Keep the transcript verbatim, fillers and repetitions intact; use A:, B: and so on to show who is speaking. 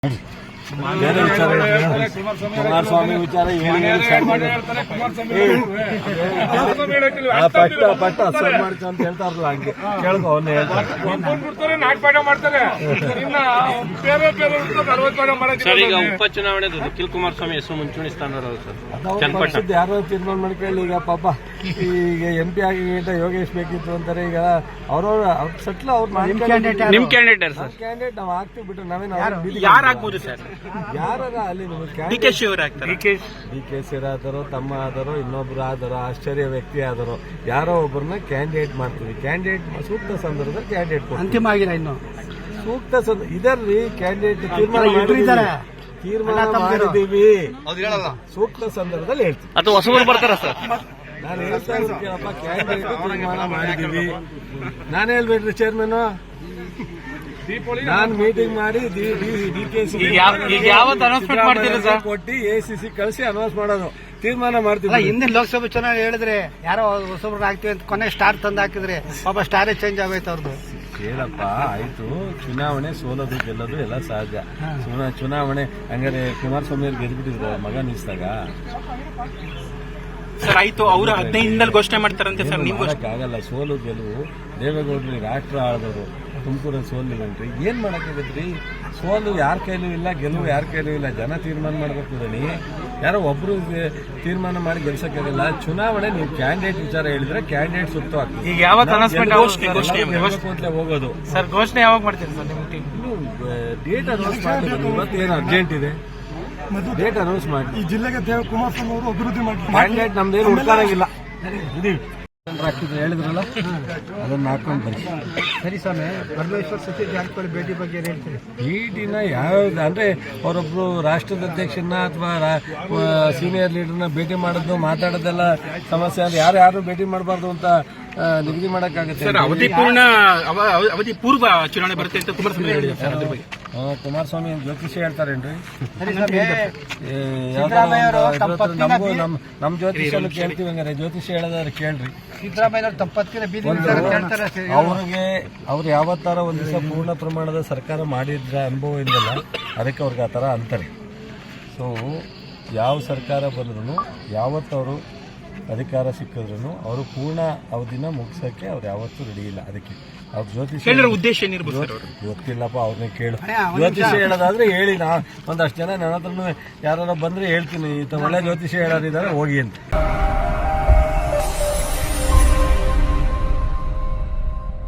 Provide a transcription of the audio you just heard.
A: ಬೇರೆ ವಿಚಾರ ಕುಮಾರಸ್ವಾಮಿ ವಿಚಾರ ಪಟ್ಟ ಪಟ್ಟ ಅಸರ್ ಮಾಡ್ಕೊ ಅಂತ ಹೇಳ್ತಾರಲ್ಲ ಹಂಗೆ ಕೇಳ್ಕೊ ಅವನ್ನೇ ಹೇಳ್ತಾರೆ
B: ನಾಟಪಾಠ ಮಾಡ್ತಾರೆ.
C: ಸರ್, ಈಗ ಉಪಚುನಾವಣೆ ನಿಖಿಲ್ ಕುಮಾರಸ್ವಾಮಿ ಹೆಸರು ಮುಂಚೂಣಿ ಸ್ಥಾನ
A: ಯಾರೋ ತೀರ್ಮಾನ ಮಾಡ್ಕೊಳ್ಳಿ. ಈಗ ಪಾಪ ಈಗ ಎಂ ಪಿ ಆಗಿ ಯೋಗೇಶ್ ಬೇಕಿತ್ತು ಅಂತಾರೆ. ಈಗ ಅವ್ರವ್ರ ಅವ್ರ ಸಟ್ಲ ಅವ್ರು
C: ನಿಮ್ ಕ್ಯಾಂಡಿಡೇಟ್ ಸರ್
A: ಕ್ಯಾಂಡಿಡೇಟ್ ನಾವು ಹಾಕ್ತಿವಿ ಬಿಟ್ಟು ನಾವೇನು
C: ಯಾರು ಆಗ್ಬೋದು ಸರ್?
A: ಯಾರ ಅಲ್ಲಿ
C: ಡಿ ಕೆ ಶಿ ಅವರು ಆಗ್ತಾರೆ.
A: ಡಿ ಕೆ ಶಿ ಆದರೋ ತಮ್ಮ ಆದರೋ ಇನ್ನೊಬ್ರು ಆದರೋ ಆಶ್ಚರ್ಯ ವ್ಯಕ್ತಿ ಆದರೋ ಯಾರೋ ಒಬ್ಬರನ್ನ ಕ್ಯಾಂಡಿಡೇಟ್ ಮಾಡ್ತೀವಿ. ಕ್ಯಾಂಡಿಡೇಟ್ ಸೂಕ್ತ ಸಂದರ್ಭದಲ್ಲಿ ಕ್ಯಾಂಡಿಡೇಟ್
D: ಅಂತಿಮ ಆಗಿಲ್ಲ ಇನ್ನು
A: ಸೂಕ್ತ ಸಂದರ್ಭ ಇದರಲ್ಲಿ ಕ್ಯಾಂಡಿಡೇಟ್ ತೀರ್ಮಾನ ತೀರ್ಮಾನ ಮಾಡಿದೀವಿ. ಸೂಕ್ತ ಸಂದರ್ಭದಲ್ಲಿ ಹೇಳ್ತೀವಿ.
C: ಅಥವಾ ಹೊಸಬರು ಬರ್ತಾರ ಸರ್?
A: ನಾನು ಹೇಳ್ತಾ ಇರೋದು ಕೇಳಪ್ಪ, ಕ್ಯಾಂಡಿಡೇಟ್ ತೀರ್ಮಾನ ಮಾಡಿದೀವಿ. ನಾನು ಹೇಳ್ಬೇಡ್ರಿ ಚೇರ್ಮನ್, ನಾನು ಮೀಟಿಂಗ್ ಮಾಡಿ ಡಿ ಕೆ ಸಿ ಕೊಟ್ಟು ಎ ಸಿ ಸಿ ಕಳಿಸಿ ಅನೌನ್ಸ್ ಮಾಡೋದು, ತೀರ್ಮಾನ ಮಾಡ್ತೀವಿ.
D: ಹಿಂದೆ ಲೋಕಸಭೆ ಚುನಾವಣೆ ಹೇಳಿದ್ರೆ ಯಾರೋ ಹೊಸಬ್ರನ್ನ ಹಾಕ್ತಿವಿ ಅಂತ ಕೊನೆ ಸ್ಟಾರ್ ತಂದು ಹಾಕಿದ್ರೆ ಪಾಪ ಸ್ಟಾರೇ ಚೇಂಜ್ ಆಗೈತೆ ಅವ್ರದ್ದು.
A: ಕೇಳಪ್ಪ, ಆಯ್ತು, ಚುನಾವಣೆ ಸೋಲೋದು ಗೆಲ್ಲೋದು ಎಲ್ಲ ಸಹಜ. ಚುನಾವಣೆ ಹಂಗಾರೆ ಕುಮಾರಸ್ವಾಮಿ ಅವ್ರು ಗೆದ್ಬಿಟ್ಟಿದ್ರು ಮಗ ನಿಲ್ಸಿದಾಗ
C: ಸರ್. ಆಯ್ತು, ಅವರು ಹದಿನೈದು ಘೋಷಣೆ ಮಾಡ್ತಾರಂತೆ ಸರ್. ನೀವು
A: ಆಗಲ್ಲ, ಸೋಲು ಗೆಲುವು. ದೇವೇಗೌಡರು ರಾಷ್ಟ್ರ ಆಳಿದವರು, ತುಮಕೂರಲ್ಲಿ ಸೋಲಿಲ್ಲಂಟ್ರಿ, ಏನ್ ಮಾಡಕ್ಕಾಗತ್ರಿ? ಸೋಲು ಯಾರ ಕೈಲೂ ಇಲ್ಲ, ಗೆಲುವು ಯಾರ ಕೈಲೂ ಇಲ್ಲ. ಜನ ತೀರ್ಮಾನ ಮಾಡ್ಬೇಕು. ದಣಿ ಯಾರೋ ಒಬ್ರು ತೀರ್ಮಾನ ಮಾಡಿ ಗೆಲ್ಸಕ್ಕಾಗಲ್ಲ. ಚುನಾವಣೆ ನೀವು ಕ್ಯಾಂಡಿಡೇಟ್ ವಿಚಾರ ಹೇಳಿದ್ರೆ ಕ್ಯಾಂಡಿಡೇಟ್ ಸುತ್ತವಾಗ್ತದೆ.
C: ಈಗ ಯಾವಾಗ
A: ಹೋಗೋದು
C: ಸರ್? ಘೋಷಣೆ ಯಾವಾಗ ಮಾಡ್ತೀರಿ ಸರ್?
A: ಡೇಟ್ ಅನೌನ್ಸ್ ಮಾಡಿ. ಇವತ್ತು ಏನು ಅರ್ಜೆಂಟ್ ಇದೆ, ಡೇಟ್ ಅನೌನ್ಸ್ ಮಾಡಿ.
D: ಈ ಜಿಲ್ಲೆಗೆ ದೇವ ಕುಮಾರಸ್ವಾಮಿ ಅವರು ಅಭಿವೃದ್ಧಿ ಮಾಡಿ
A: ಕ್ಯಾಂಡಿಡೇಟ್ ನಮ್ದೇನು ಹುಡ್ಕಾರಂಗಿಲ್ಲ. ಹೇಳಿದ್ರಲ್ಲ, ಅದನ್ನ ಹಾಕೊಂಡು ಬನ್ನಿ.
D: ಸರಿ ಸ್ವಾಮಿ, ಪರಮೇಶ್ವರ್ ಸತೀಶ್ ಜಾರಕಿಹೊಳಿ ಭೇಟಿ ಬಗ್ಗೆ ಏನ್ ಹೇಳ್ತೀರಿ?
A: ಭೇಟಿನ ಯಾವ್ದು ಅಂದ್ರೆ ಅವರೊಬ್ರು ರಾಷ್ಟ್ರದ ಅಧ್ಯಕ್ಷನ ಅಥವಾ ಸೀನಿಯರ್ ಲೀಡರ್ನ ಭೇಟಿ ಮಾಡೋದು ಮಾತಾಡೋದೆಲ್ಲ ಸಮಸ್ಯೆ. ಅಂದ್ರೆ ಯಾರು ಯಾರು ಭೇಟಿ ಮಾಡಬಾರ್ದು ಅಂತ ನಿಗದಿ ಮಾಡಕ್ಕಾಗತ್ತೆ.
C: ಅವಧಿ ಪೂರ್ಣ ಅವಧಿ ಪೂರ್ವ ಚುನಾವಣೆ ಬರುತ್ತೆ ಅಂತ ಕುಮಾರಸ್ವಾಮಿ ಹೇಳಿದ್ದಾರೆ ಸರ್. ಅದ್ರ ಬಗ್ಗೆ
A: ಕುಮಾರಸ್ವಾಮಿ ಜ್ಯೋತಿಷಿ ಹೇಳ್ತಾರೇನ್ರಿ?
D: ನಮಗೂ
A: ನಮ್ ನಮ್ ಜ್ಯೋತಿಷನ್ನು ಕೇಳ್ತೀವಿ. ಹಂಗಾರೆ ಜ್ಯೋತಿಷಿ ಹೇಳೋದಾದ್ರೆ ಕೇಳ್ರಿ.
D: ಸಿದ್ದರಾಮಯ್ಯ ತಪ್ಪತ್ತಿನ ಬೀದಿ
A: ಅವ್ರಿಗೆ ಅವ್ರು ಯಾವತ್ತಾರ ಒಂದ್ ದಿವಸ ಪೂರ್ಣ ಪ್ರಮಾಣದ ಸರ್ಕಾರ ಮಾಡಿದ್ರ ಅನುಭವ ಇಲ್ಲಲ್ಲ, ಅದಕ್ಕೆ ಅವ್ರಿಗೆ ಆ ಥರ ಅಂತಾರೆ. ಸೊ ಯಾವ ಸರ್ಕಾರ ಬಂದ್ರು, ಯಾವತ್ತವರು ಅಧಿಕಾರ ಸಿಕ್ಕಿದ್ರು ಅವರು ಪೂರ್ಣ ಅವಧಿನ ಮುಗಿಸೋಕೆ ಅವ್ರು ಯಾವತ್ತೂ ರೆಡಿ ಇಲ್ಲ. ಅದಕ್ಕೆ ಅವ್ರ ಜ್ಯೋತಿಷಿ
C: ಉದ್ದೇಶ ಏನಿರ್ಬೋದು
A: ಗೊತ್ತಿಲ್ಲಪ್ಪ, ಅವ್ರನ್ನೇ ಕೇಳು. ಜ್ಯೋತಿಷಿ ಹೇಳೋದಾದ್ರೆ ಹೇಳಿ. ನಾ ಒಂದಷ್ಟು ಜನ ನನ್ನ ಹತ್ರನು ಯಾರು ಬಂದ್ರೆ ಹೇಳ್ತೀನಿ, ಒಳ್ಳೆ ಜ್ಯೋತಿಷಿ ಹೇಳೋರಿದ್ದಾರೆ ಹೋಗಿ ಅಂತ.